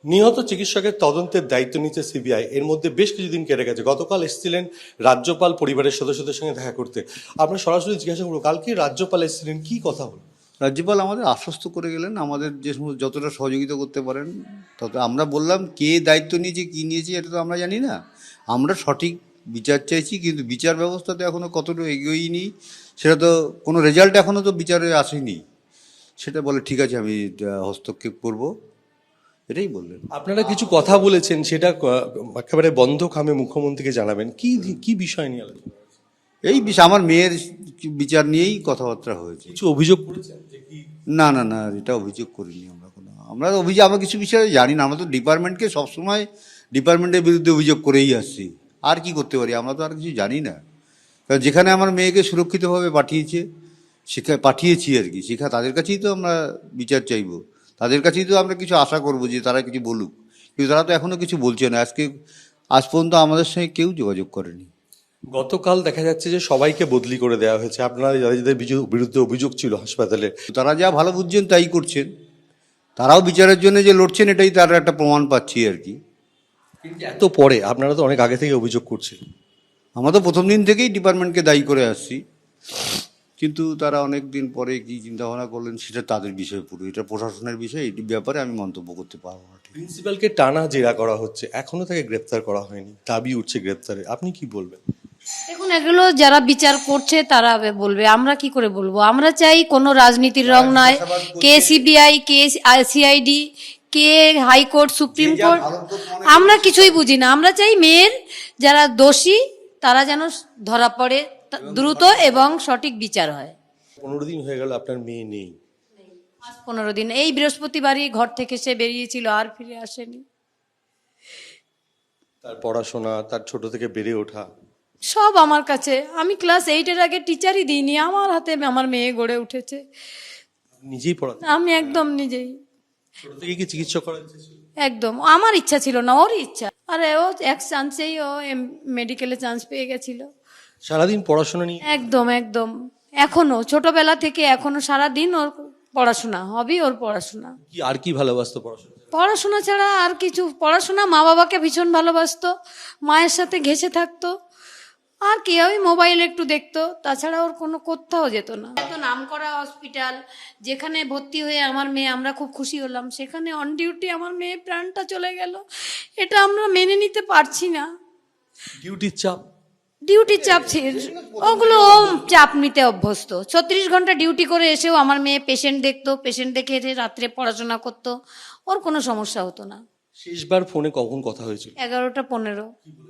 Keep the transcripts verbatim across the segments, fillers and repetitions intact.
নিহত চিকিৎসকের তদন্তের দায়িত্ব নিচ্ছে সিবিআই। এর মধ্যে বেশ কিছুদিন কেটে গেছে। গতকাল এসেছিলেন রাজ্যপাল পরিবারের সদস্যদের সঙ্গে দেখা করতে। আমরা সরাসরি জিজ্ঞাসা করবো, কালকে রাজ্যপাল এসেছিলেন, কি কথা হলো? রাজ্যপাল আমাদের আশ্বস্ত করে গেলেন আমাদের যে সমস্ত যতটা সহযোগিতা করতে পারেন তত। আমরা বললাম কে দায়িত্ব নিয়েছে কী নিয়েছে এটা তো আমরা জানি না, আমরা সঠিক বিচার চাইছি, কিন্তু বিচার ব্যবস্থাতে এখনও কতটা এগোয়নি সেটা তো, কোনো রেজাল্ট এখনও তো বিচারে আসেনি। সেটা বলে ঠিক আছে আমি হস্তক্ষেপ করব, এটাই বললেন। আপনারা কিছু কথা বলেছেন, সেটা একেবারে বন্ধ খামে মুখ্যমন্ত্রীকে জানাবেন। কি কি বিষয় নিয়ে আলোচনা? এই বিষয় আমার মেয়ের বিচার নিয়েই কথাবার্তা হয়েছে। কিছু অভিযোগ করেছেন যে কি? না না না, এটা অভিযোগ করিনি আমরা কোনো। আমরা অভিযোগ আমরা কিছু বিষয়ে জানি না, আমরা তো ডিপার্টমেন্টকে সবসময় ডিপার্টমেন্টের বিরুদ্ধে অভিযোগ করেই আসছি। আর কি করতে পারি, আমরা তো আর কিছু জানি না। কারণ যেখানে আমার মেয়েকে সুরক্ষিতভাবে পাঠিয়েছে সেখানে পাঠিয়েছি আর কি, সেখানে তাদের কাছেই তো আমরা বিচার চাইব, তাদের কাছেই তো আমরা কিছু আশা করব যে তারা কিছু বলুক, কিন্তু তারা তো এখনও কিছু বলছে না। আজকে আজ পর্যন্ত আমাদের সঙ্গে কেউ যোগাযোগ করেনি। গতকাল দেখা যাচ্ছে যে সবাইকে বদলি করে দেওয়া হয়েছে, আপনারা যাদের যাদের বিরুদ্ধে অভিযোগ ছিল হাসপাতালে। তারা যা ভালো বুঝছেন তাই করছেন, তারাও বিচারের জন্য যে লড়ছেন এটাই তার একটা প্রমাণ পাচ্ছি আর কি। কিন্তু এত পরে আপনারা তো অনেক আগে থেকে অভিযোগ করছিলেন। আমরা তো প্রথম দিন থেকেই ডিপার্টমেন্টকে দায়ী করে আসছি, কিন্তু তারা অনেক দিন পরে কী চিন্তাভাবনা করলেন সেটা তাদের বিষয়, পুরো এটা প্রশাসনের বিষয়, এই ব্যাপারে আমি মন্তব্য করতে পারবো না। প্রিন্সিপালকে টানা জেরা করা হচ্ছে, এখনো তাকে গ্রেপ্তার করা হয়নি, দাবি উঠছে গ্রেপ্তারে, আপনি কি বলবেন? দেখুন, এগুলো যারা বিচার করছে তারা বলবে, আমরা কি করে বলবো? আমরা চাই কোনো রাজনীতির রং নয়, কে সিবিআই, কে সিআইডি, কে হাইকোর্ট, সুপ্রিম কোর্ট, আমরা কিছুই বুঝি না। আমরা চাই মেয়ের যারা দোষী তারা যেন ধরা পড়ে দ্রুত এবং সঠিক বিচার হয়। পনেরো দিন হয়ে গেল আপনার মেয়ে নেই। আজ পনেরো দিন, এই বৃহস্পতিবারই ঘর থেকে সে বেরিয়েছিল, আর ফিরে আসেনি। তার পড়াশোনা, তার ছোট থেকে বেড়ে ওঠা সব আমার কাছে, আমি ক্লাস এইটের আগে টিচারই দিইনি, আমার হাতে আমার মেয়ে গড়ে উঠেছে। নিজেই পড়াতে? আমি একদম নিজেই। ছোট থেকে কি চিকিৎসা করার ইচ্ছে ছিল? একদম আমার ইচ্ছা ছিল না, ওরই ইচ্ছা। আরে ও এক চান্সেই ও মেডিকেলে চান্স পেয়ে গেছিল। সারাদিন পড়াশোনা নিয়ে? একদম একদম, এখনো ছোটবেলা থেকে এখনো সারাদিন ওর পড়াশোনা, হবি ওর পড়াশোনা। কি আর কি ভালোবাসতো পড়াশোনা? পড়াশোনা ছাড়া আর কিছু, পড়াশোনা, মা বাবাকে ভীষণ ভালোবাসতো, মায়ের সাথে ঘেঁষে থাকতো, আর কি ওই মোবাইল একটু দেখতো, তাছাড়া ওর কোনো কোথাও যেত না। এত নামকরা হসপিটাল যেখানে ভর্তি হয়ে আমার মেয়ে, আমরা খুব খুশি হলাম, সেখানে অন ডিউটি আমার মেয়ে প্রাণটা চলে গেল। এটা আমরা মেনে নিতে পারছি না। ডিউটির চাপ? ডিউটির চাপ ছিল, ওগুলো ও চাপ নিতে অভ্যস্ত। ছত্রিশ ঘন্টা ডিউটি করে এসেও আমার মেয়ে পেশেন্ট দেখতো, পেশেন্ট দেখে এসে রাত্রে পড়াশোনা করতো, ওর কোনো সমস্যা হতো না। শেষবার ফোনে কখন কথা হয়েছিল? এগারোটা পনেরো।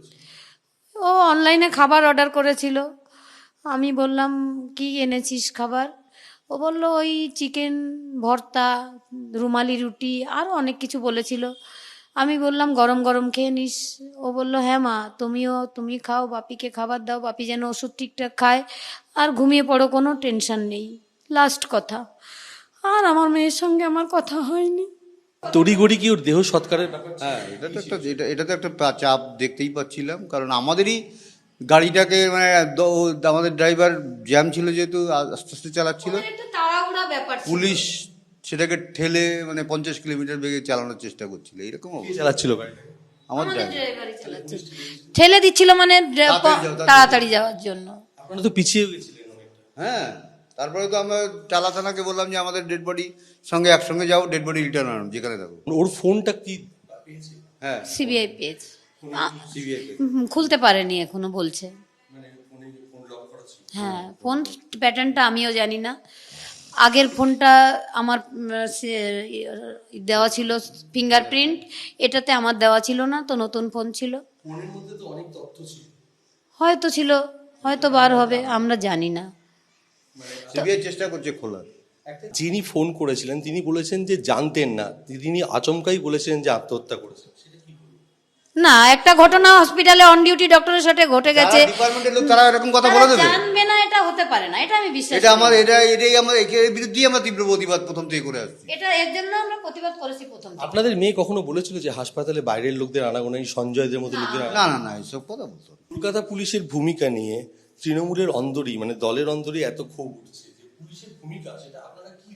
ও অনলাইনে খাবার অর্ডার করেছিল, আমি বললাম কি এনেছিস খাবার? ও বললো ওই চিকেন ভর্তা, রুমালি রুটি, আরও অনেক কিছু বলেছিল। আমি বললাম গরম গরম খেয়ে নিস। ও বললো হ্যাঁ মা, তুমিও তুমি খাও, বাপিকে খাবার দাও, বাপি যেন ওষুধ ঠিকঠাক খায়, আর ঘুমিয়ে পড়ো, কোনো টেনশন নেই। লাস্ট কথা। আর আমার মেয়ের সঙ্গে আমার কথা হয়নি। তড়িঘড়ি কি ওর দেহ সৎকারের ব্যাপার? হ্যাঁ, এটা তো একটা এটা এটা তো একটা পা- চাপ দেখতেই পাচ্ছিলাম, কারণ আমাদেরই গাড়িটাকে মানে দ- আমাদের ড্রাইভার জ্যাম ছিল যেহেতু আস্তে আস্তে চালাচ্ছিল, একটা তাড়াহুড়া ব্যাপার ছিল। পুলিশ সেটাকে ঠেলে মানে পঞ্চাশ কিলোমিটার বেগে চালানোর চেষ্টা করছিল, এরকম কে অবস্থা। চালাচ্ছিল গাড়ি? আমার আমাদের ড্রাইভার ড্রাইভারই চালাচ্ছে, ঠেলে দিচ্ছিল মানে ড্রা- তাড়াতাড়ি যাও, তাড়াতাড়ি তাড়াতাড়ি যাওয়ার জন্য। আপনারা তো পিছিয়ে গেছিলেন অনেকটা। হ্যাঁ, তারপরে তো আমরা টালা থানাকে বললাম যে আমাদের ডেড বডি সঙ্গে একসঙ্গে যাও, ডেড বডি রিটার্ন আনো যেখানে থাকো। ওর ফোনটা কি পেয়েছে? হ্যাঁ, সিবিআই পেজ সিবিআই খুলতে পারেনি এখনো, বলছে। মানে ফোনে ফোন লক করা ছিল? হ্যাঁ, ফোন প্যাটার্নটা আমিও জানি না। আগের ফোনটা আমার উম, সে- দেওয়া ছিল ফিঙ্গারপ্রিন্ট, এটাতে আমার দেওয়া ছিল না, তো নতুন ফোন ছিল, ফোনের মধ্যে তো অনেক তথ্য ছিল। হয়তো ছিল, হয়তো বার হবে, আমরা জানি না। সিবিআই চেষ্টা করছে খোলার। যিনি ফোন করেছিলেন তিনি বলেছেন যে জানতেন না, তিনি আচমকাই বলেছিলেন যে আত্মহত্যা করেছেন। না, একটা ঘটনা হসপিটালে অন ডিউটি ডক্টরের সাথে ঘটে গেছে, ডিপার্টমেন্টের লোক তারা এরকম কথা তারা বলে দেবে? জানবে না, এটা হতে পারে না, এটা আমি বিশ্বাস এটা করি আমার না। এটা এটাই আমার এর বিরুদ্ধেই আমরা তীব্র প্রতিবাদ প্রথম থেকে করে আসছি। এটা এর জন্য আমরা প্রতিবাদ করেছি প্রথম থেকে। আপনাদের মেয়ে কখনো বলেছিল যে হাসপাতালে বাইরের লোকদের আনাগোনাই, সঞ্জয়দের মতো লোকদের আনা- না না না, এসব কথা বলতো না। কলকাতা পুলিশের ভূমিকা নিয়ে তৃণমূলের অন্দরই, মানে দলের অন্দরই এত ক্ষোভ উঠছে যে পুলিশের ভূমিকা, সেটা আপনারা কি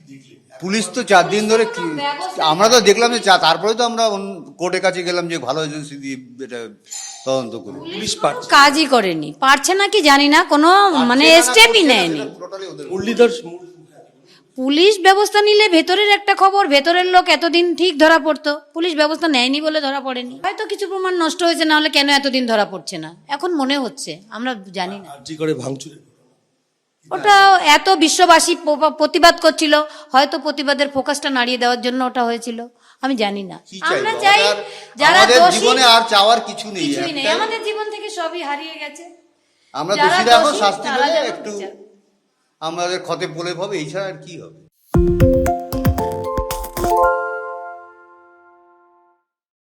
পুলিশ তো চার দিন ধরে কি- আমরা তো দেখলাম যে চা- তারপরে তো আমরা কোর্টের কাছে গেলাম যে ভালো এজেন্সি দিয়ে এটা তদন্ত করুন। পুলিশ পারছে কাজই করেনি, পারছে না কি জানি না, কোনো মানে স্টেপই নেয়নি। মুরলীধর মূল- পুলিশ ব্যবস্থা নিলে ভেতরের একটা খবর, ভেতরের লোক এতদিন ঠিক ধরা পড়তো, পুলিশ ব্যবস্থা নেয়নি বলে ধরা পড়েনি। হয়তো কিছু প্রমাণ নষ্ট হয়েছে, না হলে কেন এতদিন ধরা পড়ছে না এখন মনে হচ্ছে, আমরা জানি না। আরজি করে ভাঙচুরে ওটা এত বিশ্ববাসী প- প্রতিবাদ করছিল, হয়তো প্রতিবাদের ফোকাসটা নাড়িয়ে দেওয়ার জন্য ওটা হয়েছিল, আমি জানি না। কি আমরা চাইবো? চাই আমাদের- যারা আমাদের দোষী, জীবনে আর চাওয়ার কিছু নেই, কিছুই নেই, একটাই- আমাদের জীবন থেকে সবই হারিয়ে গেছে। আমরা যারা দোষীরা এখন দোষী, শাস্তি তারা পেলে যেন একটু বিচার। আমাদের ক্ষতে বলে পাবে, এই ছাড়া আর কি হবে।